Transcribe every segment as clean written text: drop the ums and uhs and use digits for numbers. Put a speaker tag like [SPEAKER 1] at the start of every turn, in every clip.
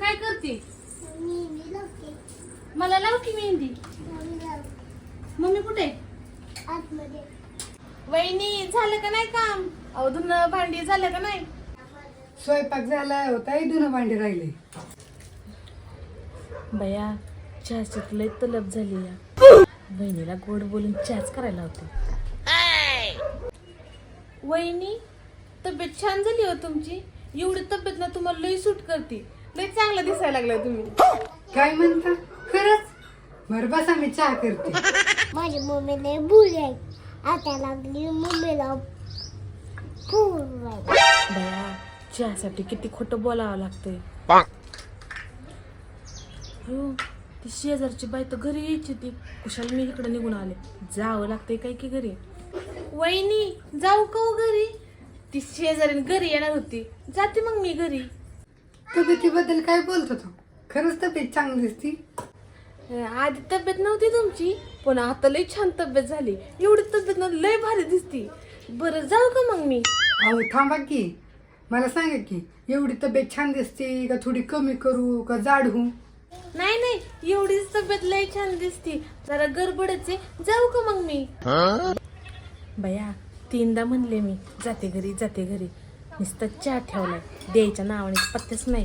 [SPEAKER 1] काय करते? मला लाव की मेहंदी. मम्मी कुठे?
[SPEAKER 2] आतमध्ये.
[SPEAKER 1] वहिनी झालं का नाही काम? अहो धुणं भांडी झालं का नाही?
[SPEAKER 3] स्वयंपाक झाला होता धुणं भांडी राहिले.
[SPEAKER 1] बया चहाची लय तलब झाली या. वहिनीला गोड बोलून चहाच करायला होते. वहिनी तब्येत छान झाली हो तुमची. एवढी तब्येत ना तुम्हाला लय सूट करते. लय चांगलं दिसायला लागलाय तुम्ही.
[SPEAKER 3] काय म्हणता? खरंच? बरं बसा मी चहा करते.
[SPEAKER 2] माझी मम्मीने बुले आता लागली मम्मीला पूर्ण.
[SPEAKER 1] बया चहासाठी किती खोटं बोलावं लागतंय. हो ती शेजारची बाई तर घरी यायची ती. कुशाला मी इकडे निघून आले. जावं लागतंय काय की घरी. वहिनी जाऊ का हो घरी? ती शेजारीन घरी येणार होती. जाते मग मी घरी.
[SPEAKER 3] तब्येतीबद्दल काय बोलतो तू? खरंच तब्येत चांगली दिसती.
[SPEAKER 1] आधी तब्येत नव्हती तुमची पण आता लय छान तब्येत झाली. एवढी तब्येत ना लय भारी दिसती. बरं जाऊ का मग मी?
[SPEAKER 3] अहो थांबा की, मला सांगा की एवढी तब्येत छान दिसते का थोडी कमी करू का जाड होऊ?
[SPEAKER 1] नाही नाही एवढीच तब्येत लय छान दिसती. जरा गडबडच आहे. जाऊ का मग मी? बया 3दा म्हणले मी जाते घरी जाते घरी. नुसतं चहा ठेवलाय. द्यायच्या नावाने पत्तेच नाही.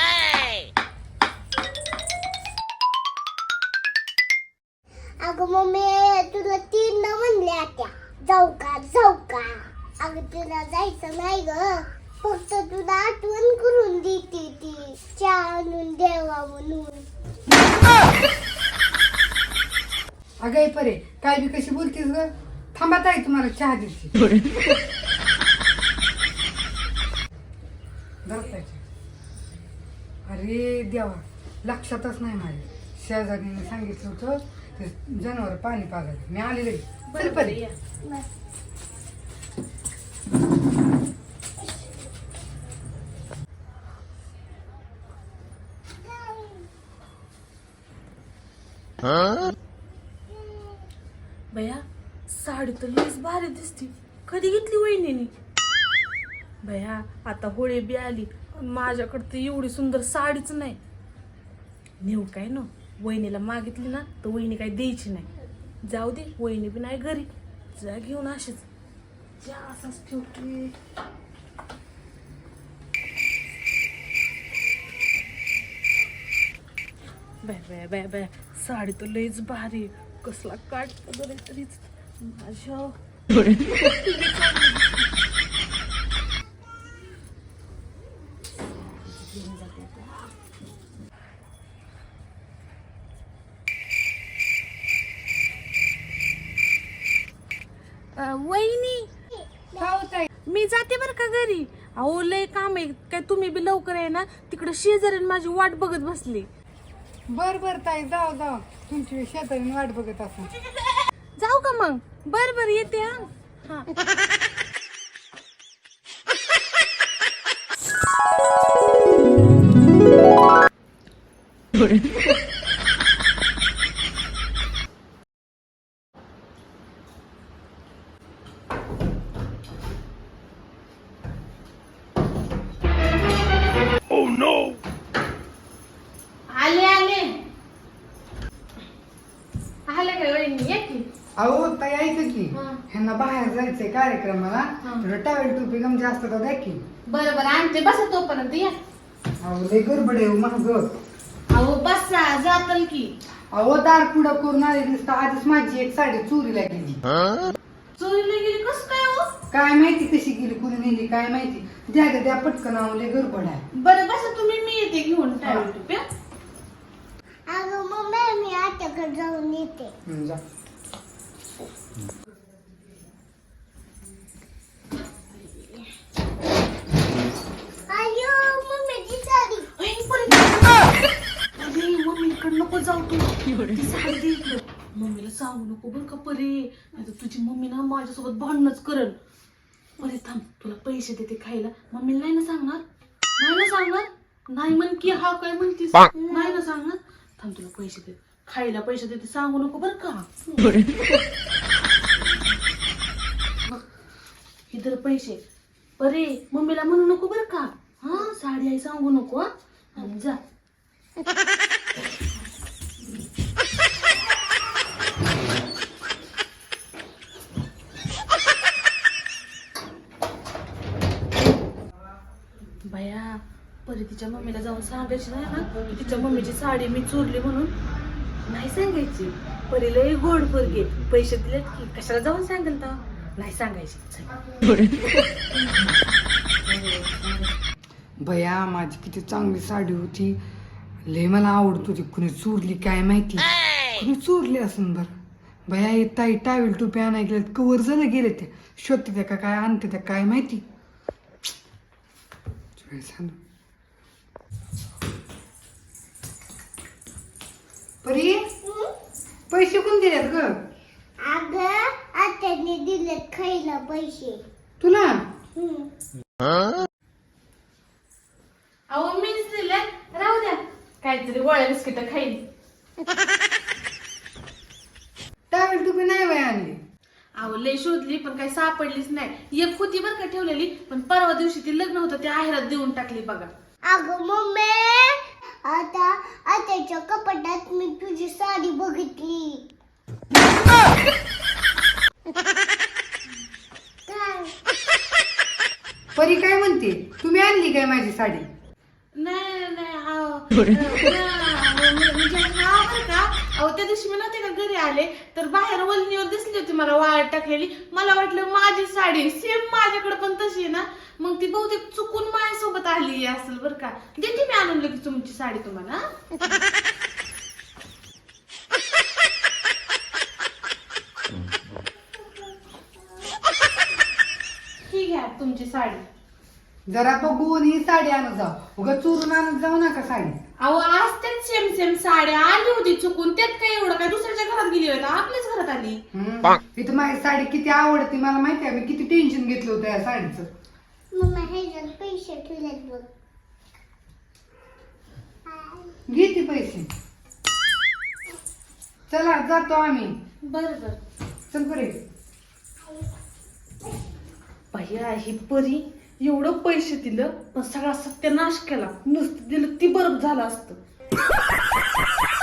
[SPEAKER 2] अगं मम्मी तुला 3दा म्हणले आता जाऊ का. अगं तुला जायचं नाही ग. फक्त तुला आठवण करून देते ती चहा आणून देवा म्हणून.
[SPEAKER 3] अगं परे काय बी कशी बोलतीस ग? थांबा ताई तुम्हाला चहा देते. दरसायची. अरे देवा लक्षातच नाही माझ्या. शेजारीने सांगितलं होतं ते जनावर पाणी पाजायचं. मी आलेले. चल परे.
[SPEAKER 1] या. बया साडी तर लईच भारी दिसती. कधी घेतली वहिनीने? बया आता होळी बी आली. माझ्याकडे तर एवढी सुंदर साडीच नाही. नेऊ काय ना वहिनीला मागितली ना तर वहिनी काही द्यायची नाही. जाऊ दे वहिनी बी नाही घरी. जा घेऊन अशीच जा असंच ठेवते. Bye bye bye bye sari तर लईच भारी. कसला काट बरं तरीच माझ्या वहिनी मी जाते बरं का घरी. अहो लय काम आहे. काय तुम्ही बी लवकर आहे ना. तिकडे शेजारीन माझी वाट बघत बसली.
[SPEAKER 3] बर बर ताई जाऊ तुमची शेजारी वाट बघत असं.
[SPEAKER 1] जाऊ का मग? बर येते हा. आले काय वहिनी ये की.
[SPEAKER 3] अहो ताई ऐक की
[SPEAKER 1] हा.
[SPEAKER 3] ह्यांना बाहेर जायचंय कार्यक्रमाला.
[SPEAKER 1] हा.
[SPEAKER 3] थोडं टावेल टोपी गम जास्त का द्या की.
[SPEAKER 1] बरं आणते बसा तोपर्यंत या.
[SPEAKER 3] अहो लय गडबड आहे महाग.
[SPEAKER 1] अहो बसा जातल की.
[SPEAKER 3] अहो दार पुढं करून आले दिसतं. आधीच माझी एक साडी चोरीला गेली.
[SPEAKER 1] चोरीला गेली कस काय हो?
[SPEAKER 3] काय माहिती कशी गेली कुणी नेली काय माहिती. द्या पटकन. अहो लय गडबड आहे.
[SPEAKER 1] बरं बसा तुम्ही मी येते घेऊन टावेल टोप्या.
[SPEAKER 2] अगं मम्मी मी आत्याकडे जाऊन येते.
[SPEAKER 3] जा.
[SPEAKER 2] अयो मम्मीची साडी.
[SPEAKER 1] मम्मीकडे नको जाऊ तू. ती साडी दे इकडं. मम्मीला सांगू नको बरं का परे. नाही तर तुझी मम्मी ना माझ्यासोबत भांडणच करल. परे थांब तुला पैसे देते खायला. मम्मीला नाही ना सांगणार. नाही म्हण की हा काय म्हणतीस. नाही ना सांगणार. थांब तुला पैसे देते खायला. पैसे देते सांगू नको बरं का. इधर पैसे. परे मम्मीला म्हणू नको बरं का. हा साडी आई सांगू नको. हा आणि जा सांगायची नाही ना की तिच्या मम्मीची साडी मी चोरली म्हणून. नाही सांगायची. परी लय गोड पोरगी, पैसे दिलेत की कशाला जाऊन सांगेल तर. नाही सांगायची.
[SPEAKER 3] बया माझी किती चांगली साडी होती, लय मला आवडत होती. कुणी चोरली काय माहिती, कुणी चोरली असून बर. बया हे ताई टावेल टोपी आणाय गेल्यात, कवर झालं गेले ते. शोधते त्या का काय आणते त्या काय माहिती. परी पैसे कोण दिलेत ग?
[SPEAKER 2] अगं आत्याने दिलेत खायला पैसे.
[SPEAKER 3] तुला
[SPEAKER 1] अहो मीच दिले, राहू द्या. काहीतरी गोळ्या बिस्किट खाईल.
[SPEAKER 3] टावेल टोपी नाही बाय आणली.
[SPEAKER 1] अहो लय शोधली पण काही सापडलीच नाही. एक होती बरं का ठेवलेली, पण परवा दिवशी ती लग्न होतं ते आहेरात देऊन टाकली बघा.
[SPEAKER 2] अगं मम्मी आता आत्याच्या कपाटात मी तुझी साडी बघितली. काय?
[SPEAKER 3] परी काय म्हणते, तुम्ही आणली काय माझी साडी?
[SPEAKER 1] नाही नाही म्हणजे हा बरं का. अहो त्या दिवशी मी नव्हते का घरी आले तर बाहेर वलनीवर दिसली होती मला वाळत टाकलेली. मला वाटलं माझी साडी सेम माझ्याकडे पण तशी आहे ना, मग ती बहुतेक चुकून माझ्यासोबत आली असेल बरं का. देते मी आणून लगेच तुमची साडी तुम्हाला. ही घ्या तुमची साडी.
[SPEAKER 3] जरा बघून ही साडी आणत जाऊ, उगा चोरून आणत जाऊ नका साडी.
[SPEAKER 1] अहो आज त्यात सेम सेम साड्या आली होती चुकून. त्यात काय एवढं काय दुसऱ्याच्या घरात गेली होती, आपल्याच घरात आली.
[SPEAKER 3] इथं माझी साडी किती आवडते मला माहिती आहे. मी किती टेन्शन घेतलं होतं या साडीचं.
[SPEAKER 2] मम्मा ह्याच्यात पैसे ठेवलेत बघ.
[SPEAKER 3] घेते पैसे. चला जातो आम्ही.
[SPEAKER 1] बरं बरं.
[SPEAKER 3] चल बरे.
[SPEAKER 1] भैया ही परी एवढं पैसे दिलं पण सगळा सत्यानाश केला. नुसतं दिलं ती बरं झालं असतं.